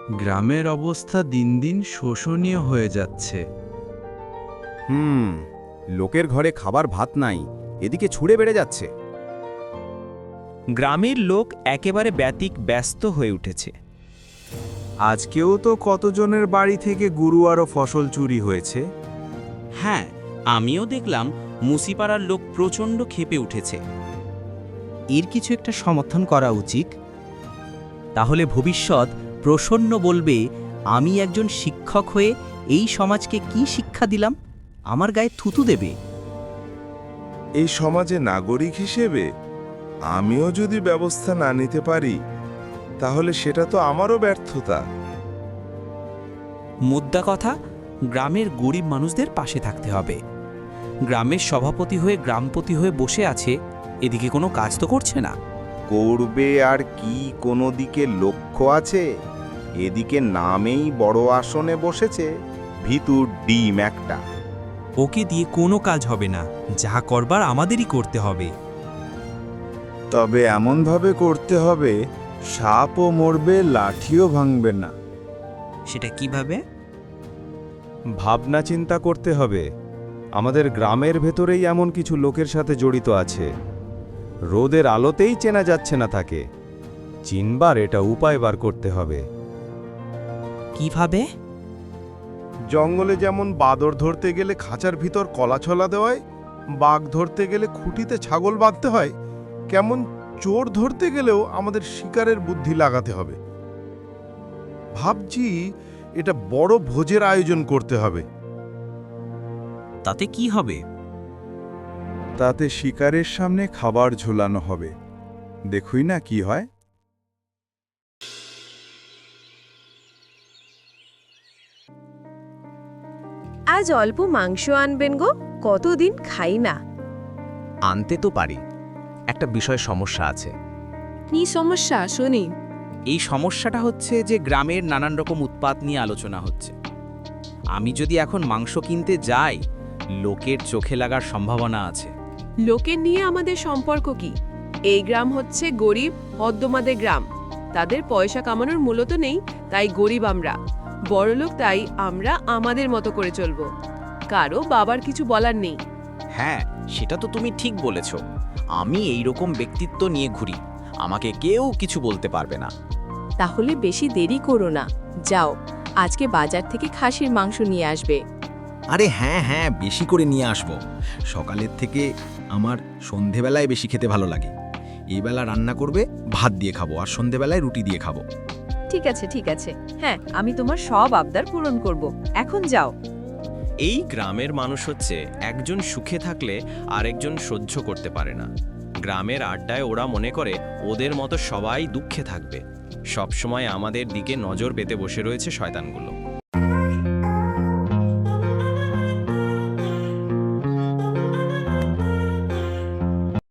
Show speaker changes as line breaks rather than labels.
গ্রামের অবস্থা দিন দিন শোষণীয় হয়ে যাচ্ছে।
লোকের ঘরে খাবার ভাত নাই, এদিকে ছুঁড়ে বেড়ে যাচ্ছে।
গ্রামের লোক একেবারে ব্যস্ত হয়ে উঠেছে।
আজকেও তো কতজনের বাড়ি থেকে গুরুয়ারও ফসল চুরি হয়েছে।
হ্যাঁ, আমিও দেখলাম মুসিপাড়ার লোক প্রচণ্ড ক্ষেপে উঠেছে।
এর কিছু একটা সমর্থন করা উচিত। তাহলে ভবিষ্যৎ প্রসন্ন বলবে, আমি একজন শিক্ষক হয়ে এই সমাজকে কি শিক্ষা দিলাম, আমার গায়ে থুতু দেবে।
এই সমাজে নাগরিক হিসেবে আমিও যদি ব্যবস্থা না নিতে পারি, তাহলে সেটা তো আমারও ব্যর্থতা।
মুদ্রা কথা, গ্রামের গরিব মানুষদের পাশে থাকতে হবে। গ্রামের সভাপতি হয়ে গ্রামপতি হয়ে বসে আছে, এদিকে কোনো কাজ তো করছে না।
করবে আর কি, কোনো দিকে লক্ষ্য আছে? এদিকে নামেই বড় আসনে বসেছে, ভিতর ডিম একটা।
ওকে দিয়ে কোনো কাজ হবে না, যা করবার আমাদেরই করতে হবে।
তবে এমনভাবে করতে হবে, সাপও মরবে, লাঠিও ভাঙবে না।
সেটা কিভাবে?
ভাবনা চিন্তা করতে হবে। আমাদের গ্রামের ভেতরেই এমন কিছু লোকের সাথে জড়িত আছে, রোদের আলোতেই চেনা যাচ্ছে না তাকে। চিনবার এটা উপায় বার করতে হবে।
কিভাবে?
জঙ্গলে যেমন বাদর ধরতে গেলে খাঁচার ভিতর কলাছলা দেওয়ায়, বাঘ ধরতে গেলে খুঁটিতে ছাগল বাঁধতে হয়, কেমন চোর ধরতে গেলেও আমাদের শিকারের বুদ্ধি লাগাতে হবে। ভাবছি এটা বড় ভোজের আয়োজন করতে হবে।
তাতে কি হবে?
তাতে শিকারের সামনে খাবার ঝোলানো হবে, দেখুই না কি হয়।
আজ অল্প মাংস আনবেন গো, কতদিন খাই না।
আনতে তো পারি, একটা বিষয় সমস্যা আছে।
কি সমস্যা শুনি?
এই সমস্যাটা হচ্ছে যে গ্রামের নানান রকম উৎপাত নিয়ে আলোচনা হচ্ছে। আমি যদি এখন মাংস কিনতে যাই, লোকের চোখে লাগার সম্ভাবনা আছে।
লোকের নিয়ে আমাদের সম্পর্ক কি? এই গ্রাম হচ্ছে গরিব হদ্দমাদের গ্রাম। তাদের পয়সা কামানোর মূলত নেই, তাই গরিব আমরা। বড়লোক তাই আমরা আমাদের মতো করে চলবো, কারো বাবার কিছু বলার নেই।
হ্যাঁ, সেটা তো তুমি ঠিক বলেছ। আমি এই রকম ব্যক্তিত্ব নিয়ে ঘুরি, আমাকে কেউ কিছু বলতে পারবে না।
তাহলে বেশি দেরি করো না, যাও আজকে বাজার থেকে খাসির মাংস নিয়ে আসবে।
আরে হ্যাঁ, বেশি করে নিয়ে আসবো। সকালের থেকে আমার সন্ধেবেলায় বেশি খেতে ভালো লাগে। এই বেলা রান্না করবে, ভাত দিয়ে খাবো, আর সন্ধেবেলায় রুটি দিয়ে খাবো।
ঠিক আছে, হ্যাঁ আমি তোমার সব আবদার পূরণ করব, এখন যাও।
এই গ্রামের মানুষ হচ্ছে, একজন সুখে থাকলে আরেকজন সহ্য করতে পারে না। গ্রামের আড্ডায় ওরা মনে করে ওদের মতো সবাই দুঃখে থাকবে। সবসময় আমাদের দিকে নজর পেতে বসে রয়েছে শয়তানগুলো।